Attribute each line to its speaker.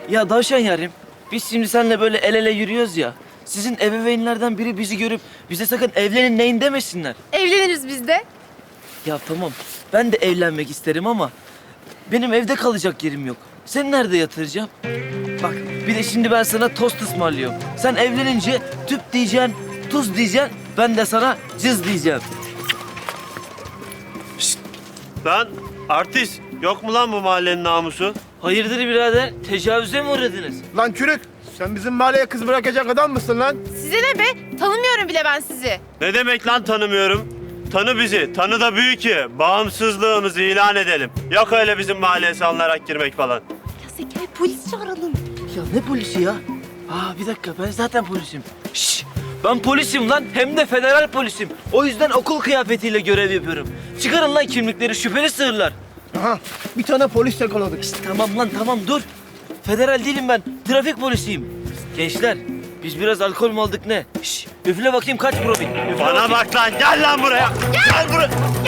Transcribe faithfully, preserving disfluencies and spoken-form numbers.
Speaker 1: Ya Davşan yarim, biz şimdi seninle böyle el ele yürüyoruz ya. Sizin ebeveynlerden biri bizi görüp bize sakın evlenin neyin demesinler.
Speaker 2: Evleniriz biz de.
Speaker 1: Ya tamam, ben de evlenmek isterim ama benim evde kalacak yerim yok. Seni nerede yatıracağım? Bak, bir de şimdi ben sana tost ısmarlıyorum. Sen evlenince tüp diyeceksin, tuz diyeceksin. Ben de sana cız diyeceğim.
Speaker 3: Lan artist, yok mu lan bu mahallenin namusu?
Speaker 1: Hayırdır birader, tecavüze mi uğradınız?
Speaker 4: Lan çürük, sen bizim mahalleye kız bırakacak adam mısın lan?
Speaker 2: Size ne be? Tanımıyorum bile ben sizi.
Speaker 3: Ne demek lan tanımıyorum? Tanı bizi, tanı da büyük ki bağımsızlığımızı ilan edelim. Yok öyle bizim mahalleye salınarak girmek falan.
Speaker 2: Ya Zekai polis çağıralım.
Speaker 1: Ya ne polisi ya? Aa bir dakika, ben zaten polisim. Şşş, ben polisim lan, hem de federal polisim. O yüzden okul kıyafetiyle görev yapıyorum. Çıkarın lan kimlikleri, şüpheli sığırlar.
Speaker 4: Aha, bir tane polis yakaladık.
Speaker 1: İşte tamam lan tamam, dur. Federal değilim ben, trafik polisiyim. Gençler, biz biraz alkol mü aldık ne? Şşş, üfle bakayım kaç promil. Üfle
Speaker 3: Bana
Speaker 1: bakayım.
Speaker 3: bak lan, gel lan buraya. Gel, buraya.